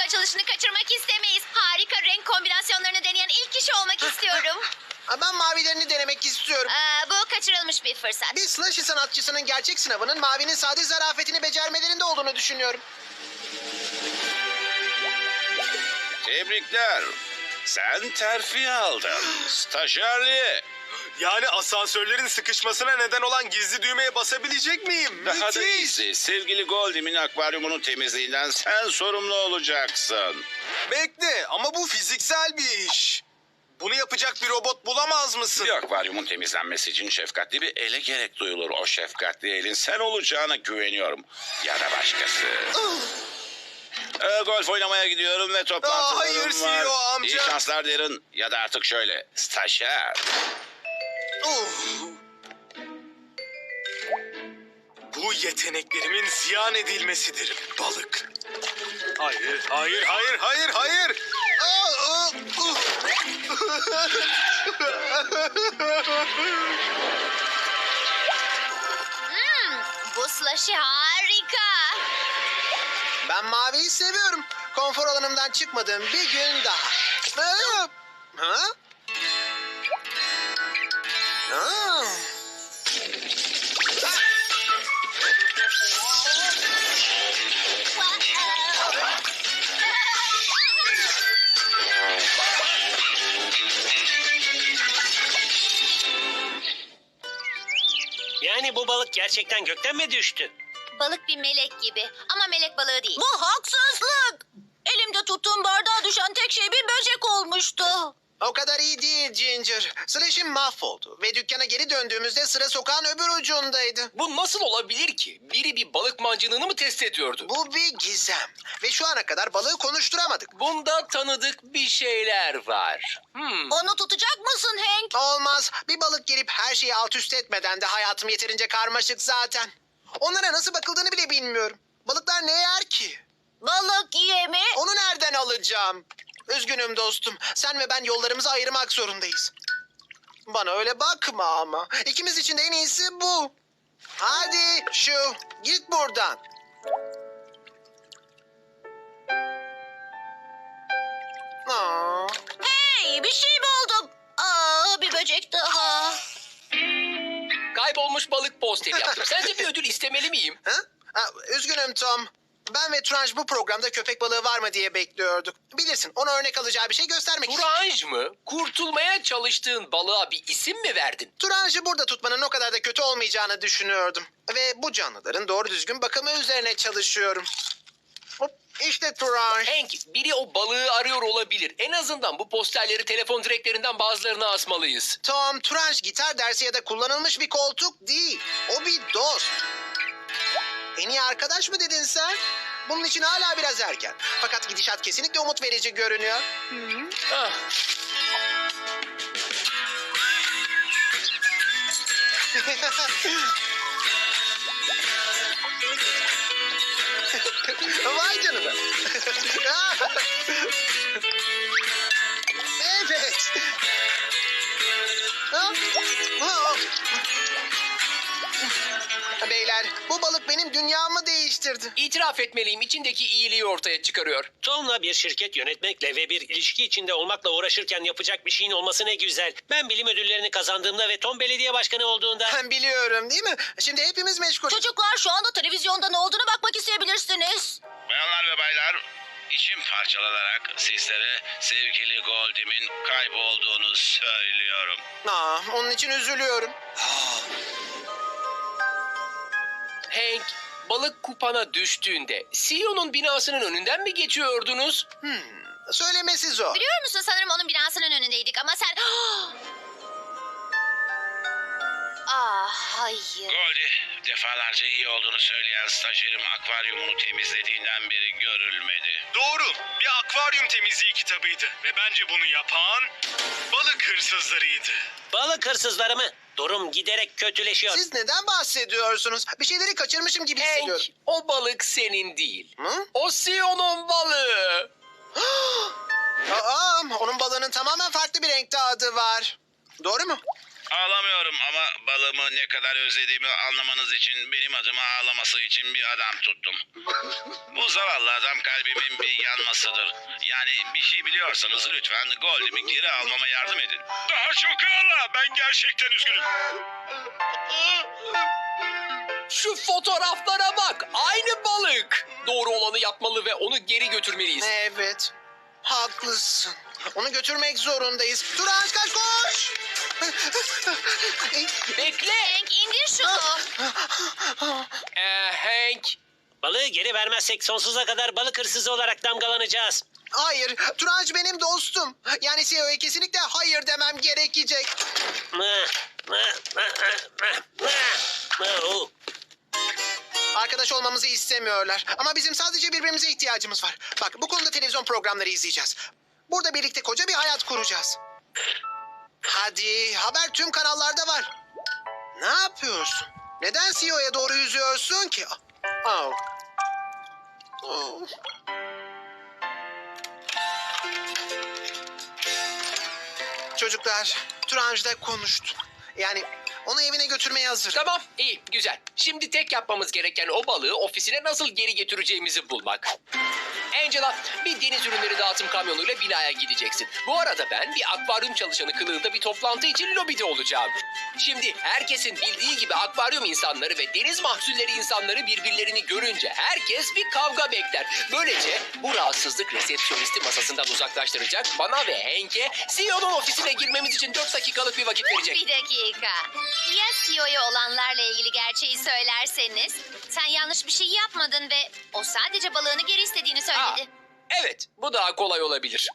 açılışını kaçırmak istemeyiz. Harika renk kombinasyonlarını deneyen ilk kişi olmak istiyorum. Ben mavilerini denemek istiyorum. Bu kaçırılmış bir fırsat. Bir slushy sanatçısının gerçek sınavının mavinin sade zarafetini becermelerinde olduğunu düşünüyorum. Tebrikler. Sen terfi aldın. Stajyerliğe. Yani asansörlerin sıkışmasına neden olan gizli düğmeye basabilecek miyim? Daha da Müthiş. iyisi. Sevgili Goldim'in akvaryumunun temizliğinden sen sorumlu olacaksın. Bekle ama bu fiziksel bir iş. Bunu yapacak bir robot bulamaz mısın? Bir akvaryumun temizlenmesi için şefkatli bir ele gerek duyulur. O şefkatli elin sen olacağına güveniyorum. Ya da başkası. Golf oynamaya gidiyorum ve toplantılarım hayır, var. CEO amca. İyi şanslar derin. Ya da artık şöyle. Stajyer. Bu yeteneklerimin ziyan edilmesidir balık. Hayır, hayır, hayır, hayır, hayır. Bu slushy harika. Ben maviyi seviyorum. Konfor alanımdan çıkmadığım bir gün daha. Ha? Ha? Ha? Yani bu balık gerçekten gökten mi düştü? Balık bir melek gibi ama melek balığı değil. Bu haksızlık. Elimde tuttuğum bardağa düşen tek şey bir böcek olmuştu. O kadar iyi değil Ginger. Slash'im mahvoldu ve dükkana geri döndüğümüzde sıra sokağın öbür ucundaydı. Bu nasıl olabilir ki? Biri bir balık mancınığını mı test ediyordu? Bu bir gizem ve şu ana kadar balığı konuşturamadık. Bunda tanıdık bir şeyler var. Onu tutacak mısın Hank? Olmaz. Bir balık gelip her şeyi alt üst etmeden de hayatım yeterince karmaşık zaten. Onlara nasıl bakıldığını bile bilmiyorum. Balıklar ne yer ki? Balık yemi. Onu nereden alacağım? Üzgünüm dostum. Sen ve ben yollarımızı ayırmak zorundayız. Bana öyle bakma ama. İkimiz için de en iyisi bu. Hadi şu. Git buradan. Aa, Hey, bir şey buldum. Bir böcek daha. Kaybolmuş balık posteri yaptım. Sence bir ödül istemeli miyim? ha? Üzgünüm Tom. Ben ve Tranj bu programda köpek balığı var mı diye bekliyorduk. Bilirsin ona örnek alacağı bir şey göstermek istedim. Turanj mı? Kurtulmaya çalıştığın balığa bir isim mi verdin? Turanj'ı burada tutmanın o kadar da kötü olmayacağını düşünüyordum. Ve bu canlıların doğru düzgün bakımı üzerine çalışıyorum. Hop, işte Turanj. Hank, biri o balığı arıyor olabilir. En azından bu posterleri telefon direklerinden bazılarına asmalıyız. Tom, Turanj gitar dersi ya da kullanılmış bir koltuk değil. O bir dost. En iyi arkadaş mı dedin sen? Bunun için hala biraz erken. Fakat gidişat kesinlikle umut verici görünüyor. Ah, Vay canına. Evet. Beyler, bu balık benim dünyamı değiştirdi. itiraf etmeliyim, içindeki iyiliği ortaya çıkarıyor. Tom'la bir şirket yönetmekle ve bir ilişki içinde olmakla uğraşırken yapacak bir şeyin olması ne güzel. Ben bilim ödüllerini kazandığımda ve Tom belediye başkanı olduğunda... Ben biliyorum değil mi? Şimdi hepimiz meşgul. Çocuklar şu anda televizyonda ne olduğunu bakmak isteyebilirsiniz. Bayanlar ve baylar, içim parçalanarak sizlere sevgili Goldim'in kaybolduğunu söylüyorum. Onun için üzülüyorum. Hank, balık kupana düştüğünde CEO'nun binasının önünden mi geçiyordunuz? Söylemesi zor. Biliyor musun sanırım onun binasının önündeydik ama sen... Hayır. Goldie, defalarca iyi olduğunu söyleyen stajyerim akvaryumunu temizlediğinden beri görülmedi. Doğru. Bir akvaryum temizliği kitabıydı. Ve bence bunu yapan balık hırsızlarıydı. Balık hırsızları mı? Durum giderek kötüleşiyor. Siz neden bahsediyorsunuz? Bir şeyleri kaçırmışım gibi Hank, hissediyorum. o balık senin değil. Hı? O CEO'nun balığı. Onun balığının tamamen farklı bir renkte adı var. Doğru mu? Ağlamıyorum ama balığımı ne kadar özlediğimi anlamanız için benim adıma ağlaması için bir adam tuttum. Bu zavallı adam kalbimin bir yanmasıdır. Yani bir şey biliyorsanız lütfen Goldie'mi geri almama yardım edin. Daha çok ağla. Ben gerçekten üzgünüm. Şu fotoğraflara bak. Aynı balık. Doğru olanı yapmalı ve onu geri götürmeliyiz. Evet. Haklısın. Onu götürmek zorundayız. Turanç kaç koş! Bekle. Hank indir şunu. Hank. Balığı geri vermezsek sonsuza kadar balık hırsızı olarak damgalanacağız. Hayır, Turanç benim dostum. Yani CEO'ya kesinlikle hayır demem gerekecek. Oh. Arkadaş olmamızı istemiyorlar. Ama bizim sadece birbirimize ihtiyacımız var. Bak bu konuda televizyon programları izleyeceğiz. Burada birlikte koca bir hayat kuracağız. Hadi haber tüm kanallarda var. Ne yapıyorsun? Neden CEO'ya doğru yüzüyorsun ki? Oh. Oh. Çocuklar, Turanç'la konuştum. Yani onu evine götürmeye hazır. Tamam, iyi, güzel. Şimdi tek yapmamız gereken o balığı ofisine nasıl geri getireceğimizi bulmak. Angela, bir deniz ürünleri dağıtım kamyonuyla binaya gideceksin. Bu arada ben bir akvaryum çalışanı kılığında bir toplantı için lobide olacağım. Şimdi herkesin bildiği gibi akvaryum insanları ve deniz mahsulleri insanları birbirlerini görünce herkes bir kavga bekler. Böylece bu rahatsızlık resepsiyonisti masasından uzaklaştıracak, bana ve Hank'e CEO'nun ofisine girmemiz için 4 dakikalık bir vakit verecek. Bir dakika. Ya CEO'ya olanlarla ilgili gerçeği söylerseniz? Sen yanlış bir şey yapmadın ve o sadece balığını geri istediğini söyledi. Evet, bu daha kolay olabilir.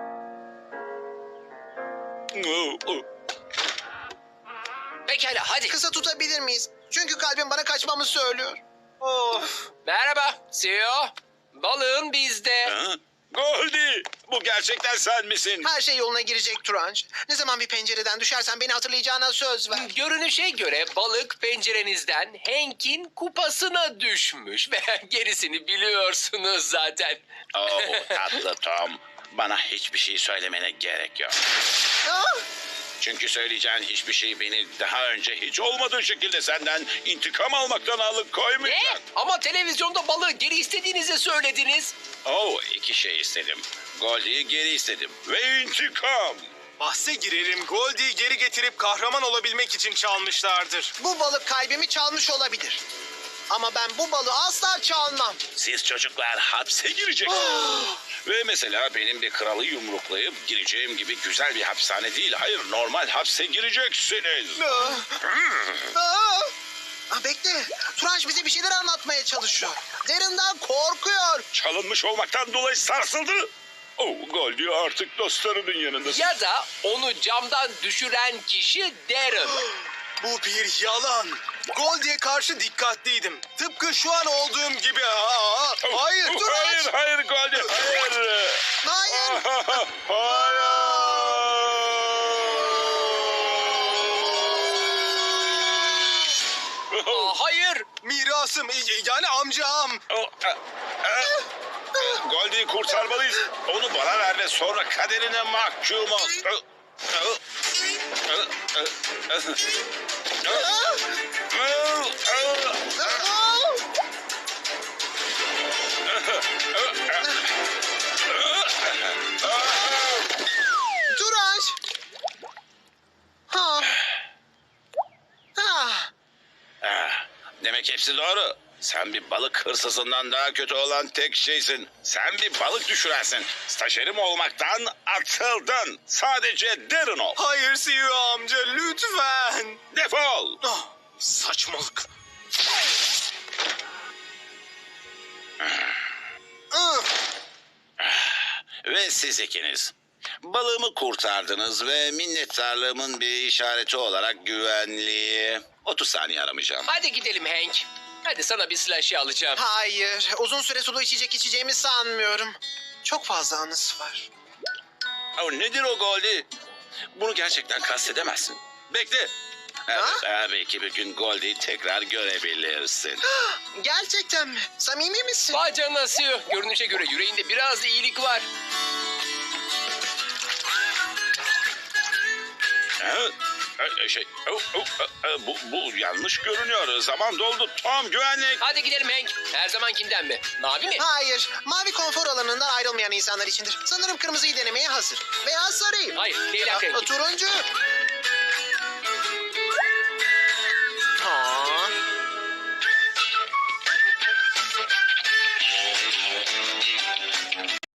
Pekala, hadi. Kısa tutabilir miyiz? Çünkü kalbim bana kaçmamı söylüyor. Of. Merhaba, CEO. Balığın bizde. Ha? Goldie, bu gerçekten sen misin? Her şey yoluna girecek Turanç. Ne zaman bir pencereden düşersen beni hatırlayacağına söz ver. Görünüşe göre balık pencerenizden Hank'in kupasına düşmüş. Ve gerisini biliyorsunuz zaten. Oh tatlı Tom. Bana hiçbir şey söylemene gerek yok. Ah! Çünkü söyleyeceğin hiçbir şey beni daha önce hiç olmadığı şekilde senden intikam almaktan Ne? alıkoymayacak. Ama televizyonda balığı geri istediğinizi söylediniz. Oh, iki şey istedim. Goldie'yi geri istedim. Ve intikam. Bahse girerim Goldie'yi geri getirip kahraman olabilmek için çalmışlardır. Bu balık kalbimi çalmış olabilir. Ama ben bu balığı asla çalmam. Siz çocuklar hapse gireceksiniz. Ve mesela benim bir kralı yumruklayıp gireceğim gibi güzel bir hapishane değil. Hayır, normal hapse gireceksiniz. Ah! Ah! Ah, bekle. Turanç bize bir şeyler anlatmaya çalışıyor. Derinden korkuyor. Çalınmış olmaktan dolayı sarsıldı. Oh, Goldie artık dostlarının yanındasın. Ya da onu camdan düşüren kişi Darren. Bu bir yalan. Goldie'ye karşı dikkatliydim. Tıpkı şu an olduğum gibi. Aa, hayır Oh, Turanç. hayır Goldie, hayır. Hayır. Hayır. Mirasım yani amcam. Goldie'yi kurtarmalıyız. Onu bana ver ve sonra kaderine mahkum ol. Turanç. Ha. Ha. Demek hepsi doğru. Sen bir balık hırsızından daha kötü olan tek şeysin. Sen bir balık düşürensin. Stajyerim olmaktan atıldın. Sadece Darren ol. Hayır CEO amca lütfen. Defol. Ah, saçmalık. Ah. Ve siz ikiniz. Balığımı kurtardınız ve minnettarlığımın bir işareti olarak güvenliği. 30 saniye aramayacağım. Hadi gidelim Hank. Hadi sana bir slushy alacağım. Hayır. Uzun süre sulu içecek içeceğimi sanmıyorum. Çok fazla anısı var. Oh, nedir o Goldie? Bunu gerçekten kastedemezsin. Bekle. Evet, belki bir gün Goldie'yi tekrar görebilirsin. Gerçekten mi? Samimi misin? Vay canına CEO. Görünüşe göre yüreğinde biraz iyilik var. Ha? Bu yanlış görünüyor. Zaman doldu. Tom, güvenlik. Hadi gidelim Hank. Her zamankinden mi? Mavi mi? Hayır, mavi konfor alanından ayrılmayan insanlar içindir. Sanırım kırmızıyı denemeye hazır. Veya sarıyı. Hayır, leylak rengi. Turuncu.